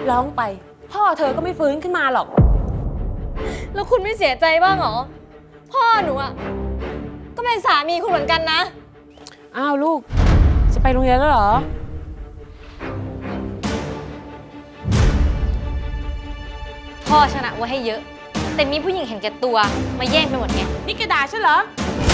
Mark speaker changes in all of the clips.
Speaker 1: ร้องไปพ่อเธอก็ไม่ฟื้นขึ้นมาหรอก
Speaker 2: แล้วคุณไม่เสียใจบ้างเหรอพ่อหนูอ่ะก็เป็นสามีคุณเหมือนกันนะ
Speaker 1: อ้าวลูกจะไปโรงเรียนแล้วเหรอ
Speaker 2: พ่อชนะไว้ให้เยอะแต่มีผู้หญิงเห็นแก่ตัวมาแย่งไปหมดไง
Speaker 1: นี่แกด่าฉันเหรอ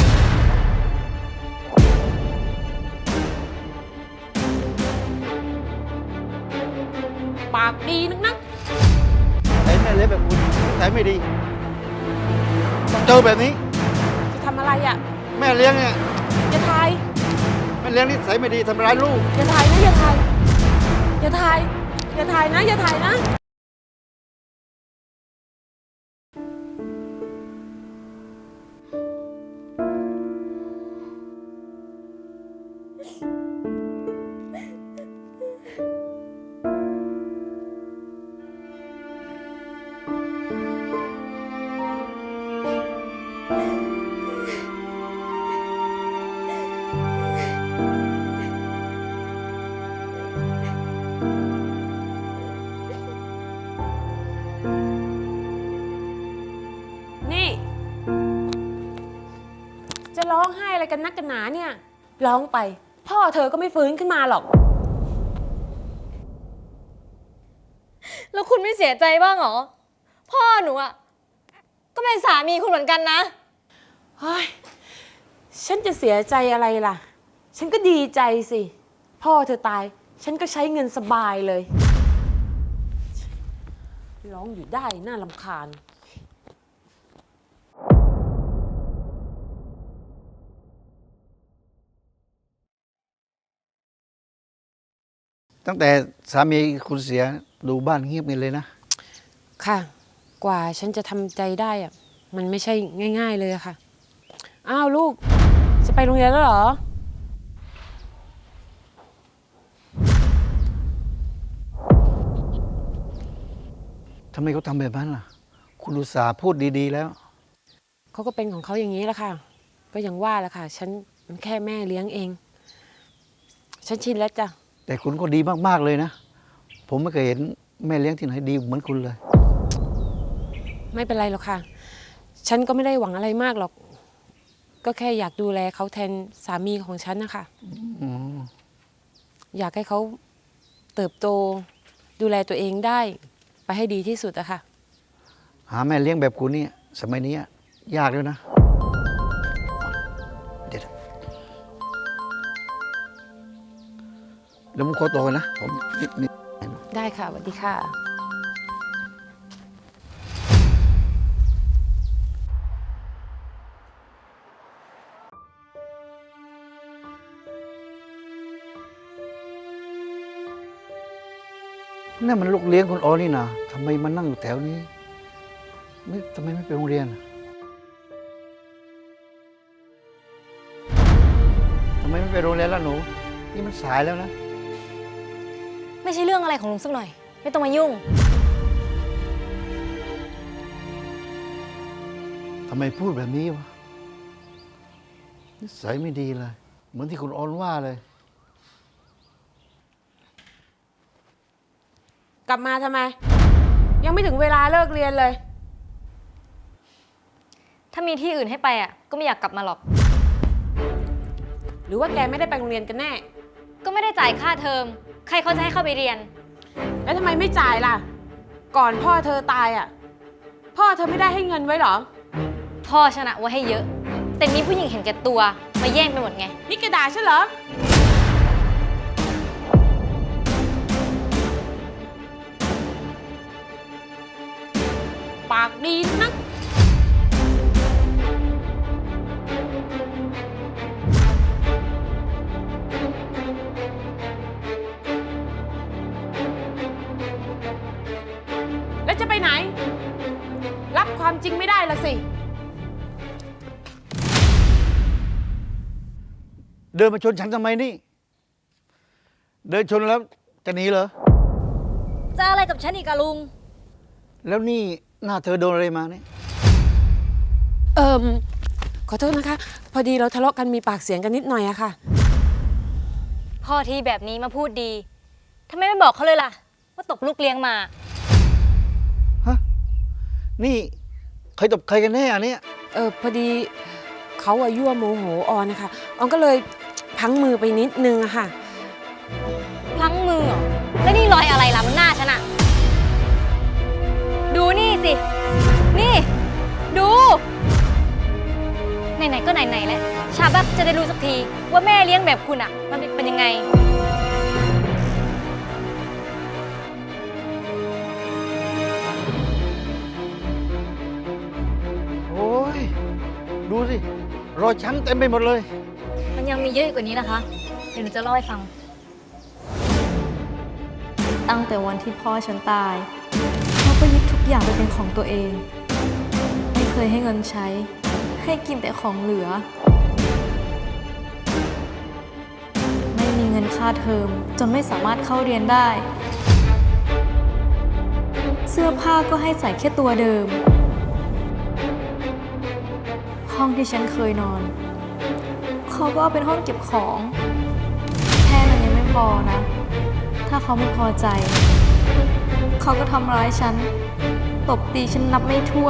Speaker 1: ปากดีนัก
Speaker 3: ใส่แม่เลี้ยงแบบคุณใส่ไม่ดีต้องเจอแบบนี้
Speaker 1: จะทำอะไรอ่ะ
Speaker 3: แม่เลี้ยงเนี่ย
Speaker 1: อย่าทาย
Speaker 3: แม่เลี้ยงนี่ใส่ไม่ดีทำร้ายลูก
Speaker 1: อย่าทายนะอย่าทายอย่าทายอย่าทายนะอย่าทายนะจะร้องไห้อะไรกันนักกันหนาเนี่ยร้องไปพ่อเธอก็ไม่ฟื้นขึ้นมาหรอก
Speaker 2: แล้วคุณไม่เสียใจบ้างเหรอพ่อหนูอ่ะก็เป็นสามีคุณเหมือนกันนะ
Speaker 1: เฮ้ยฉันจะเสียใจอะไรล่ะฉันก็ดีใจสิพ่อเธอตายฉันก็ใช้เงินสบายเลยร้องอยู่ได้น่ารำคาญ
Speaker 3: ตั้งแต่สามีคุณเสียดูบ้านเงียบกันเลยนะ
Speaker 1: ค่ะกว่าฉันจะทำใจได้อะมันไม่ใช่ง่ายๆเลยค่ะอ้าวลูกจะไปโรงเรียนแล้วเหรอ
Speaker 3: ทำไมเขาทำแบบนั้นล่ะคุณอุตส่าห์พูดดีๆแล้ว
Speaker 1: เขาก็เป็นของเขาอย่างนี้แหละค่ะก็ยังว่าแหละค่ะฉันมันแค่แม่เลี้ยงเองฉันชินแล้วจ้ะ
Speaker 3: แต่คุณก็ดีมากๆเลยนะผมไม่เคยเห็นแม่เลี้ยงที่ไหนดีเหมือนคุณเลย
Speaker 1: ไม่เป็นไรหรอกค่ะฉันก็ไม่ได้หวังอะไรมากหรอกก็แค่อยากดูแลเขาแทนสามีของฉันนะคะอยากให้เขาเติบโตดูแลตัวเองได้ไปให้ดีที่สุดอะค่ะ
Speaker 3: หาแม่เลี้ยงแบบคุณนี่สมัยนี้ยากแล้วนะเดี๋ยวผมขอตัวกันนะผมนิด
Speaker 1: ได้ค่ะสวัสดีค่ะ
Speaker 3: นั่นมันลูกเลี้ยงคุณอ๋อนี่นะทำไมมานั่งอยู่แถวนี้ทำไมไม่ไปโรงเรียนทำไมไม่ไปโรงเรียนล่ะหนูนี่มันสายแล้วนะ
Speaker 2: ไม่ใช่เรื่องอะไรของลุงสักหน่อยไม่ต้องมายุ่ง
Speaker 3: ทำไมพูดแบบนี้วะนิสัยไม่ดีเลยเหมือนที่คุณออนว่าเลย
Speaker 1: กลับมาทำไมยังไม่ถึงเวลาเลิกเรียนเลย
Speaker 2: ถ้ามีที่อื่นให้ไปอ่ะก็ไม่อยากกลับมาหรอก
Speaker 1: หรือว่าแกไม่ได้ไปโรงเรียนกันแน่
Speaker 2: ก็ไม่ได้จ่ายค่าเทอมใครเขาจะให้เข้าไปเรียน
Speaker 1: แล้วทำไมไม่จ่ายล่ะก่อนพ่อเธอตายอ่ะพ่อเธอไม่ได้ให้เงินไว้หรอ
Speaker 2: พ่อชนะไว้ให้เยอะแต่มีผู้หญิงเห็นแก่ตัวมาแย่งไปหมดไง
Speaker 1: นี่แกด่าฉันเหรอปากดีนักแล้วจะไปไหนรับความจริงไม่ได้ละสิ
Speaker 3: เดินมาชนฉันทำไมนี่เดินชนแล้วจะหนีเหรอ
Speaker 2: จะอะไรกับฉันอีกอะลุง
Speaker 3: แล้วนี่หน้าเธอโดนอะไรมาเนี่ย
Speaker 1: ขอโทษนะคะพอดีเราทะเลาะกันมีปากเสียงกันนิดหน่อยอะค่ะ
Speaker 2: พ่อที่แบบนี้มาพูดดีทำไมไม่บอกเขาเลยล่ะว่าตบลูกเลี้ยงมา
Speaker 3: ฮะ นี่ใครตบใครกันแน่อันเนี้ย
Speaker 1: พอดีเขายั่วโมโหออนนะคะออนก็เลยพลั้งมือไปนิดนึงอะค่ะ
Speaker 2: พลั้งมือเหรอ แล้วนี่รอยอะไรล่ะบนหน้าฉันอะดูนี่สิ นี่ ดู ไหนๆก็ไหนๆแล้วชาบักจะได้รู้สักทีว่าแม่เลี้ยงแบบคุณอะมันเป็นยังไง
Speaker 3: โอ้ย ดูสิ รอยช้ำเต็มไปหมดเลย
Speaker 2: มันยังมีเยอะกว่านี้นะคะ เดี๋ยวหนูจะเล่าให้ฟัง ตั้งแต่วันที่พ่อฉันตายเขาก็ยึดทุกอย่างไปเป็นของตัวเอง ไม่เคยให้เงินใช้ ให้กินแต่ของเหลือ ไม่มีเงินค่าเทอมจนไม่สามารถเข้าเรียนได้ เสื้อผ้าก็ให้ใส่แค่ตัวเดิม ห้องที่ฉันเคยนอน เขาก็เอาเป็นห้องเก็บของ แค่นั้นยังไม่พอนะ ถ้าเขาไม่พอใจ เขาก็ทำร้ายฉัน ตบตีฉันนับไม่ถ้วน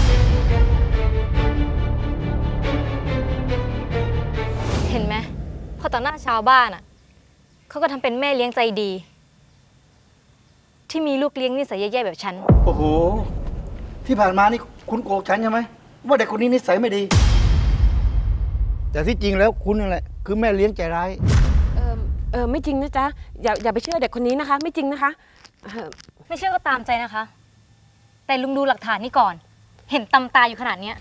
Speaker 2: เห็นไหมพอต่อหน้าชาวบ้านอ่ะ เขาก็ทำเป็นแม่เลี้ยงใจดี ที่มีลูกเลี้ยงนิสัยแย่ๆแบบฉัน
Speaker 3: โอ้โห ที่ผ่านมานี่คุณโกหกฉันใช่ไหมว่าเด็กคนนี้นิสัยไม่ดี แต่ที่จริงแล้วคุณนั่นแหละ คือแม่เลี้ยงใจร้าย
Speaker 1: ไม่จริงนะจ๊ะอย่าไปเชื่อเด็กคนนี้นะคะ ไม่จริงนะคะ
Speaker 2: ไม่เชื่อก็ตามใจนะคะ แต่ลุงดูหลักฐานนี่ก่อน เห็นตำตาอยู่ขนาดเนี้ย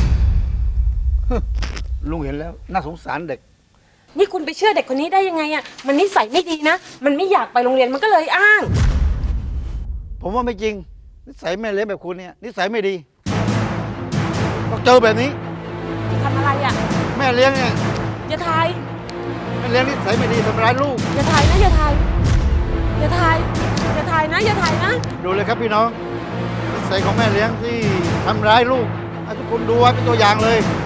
Speaker 3: ลุงเห็นแล้ว น่าสงสารเด็ก
Speaker 1: นี่คุณไปเชื่อเด็กคนนี้ได้ยังไงอะมันนิสัยไม่ดีนะ มันไม่อยากไปโรงเรียนมันก็เลยอ้าง
Speaker 3: ผมว่าไม่จริง นิสัยแม่เลี้ยงแบบคุณเนี่ย นิสัยไม่ดีต้องเจอแบบนี้
Speaker 1: ทำอะไรอะ
Speaker 3: แม่เลี้ยงเนี่ย
Speaker 1: อย่าทาย
Speaker 3: แม่เลี้ยงนิสัยไม่ดีทำร้ายลูก
Speaker 1: อย่าทายนะอย่าทายอย่าทายอย่าทายนะอย่าทายนะ
Speaker 3: ดูเลยครับพี่น้อง นิสัยของแม่เลี้ยงที่ทำร้ายลูกให้ทุกคนดูไว้เป็นตัวอย่างเลย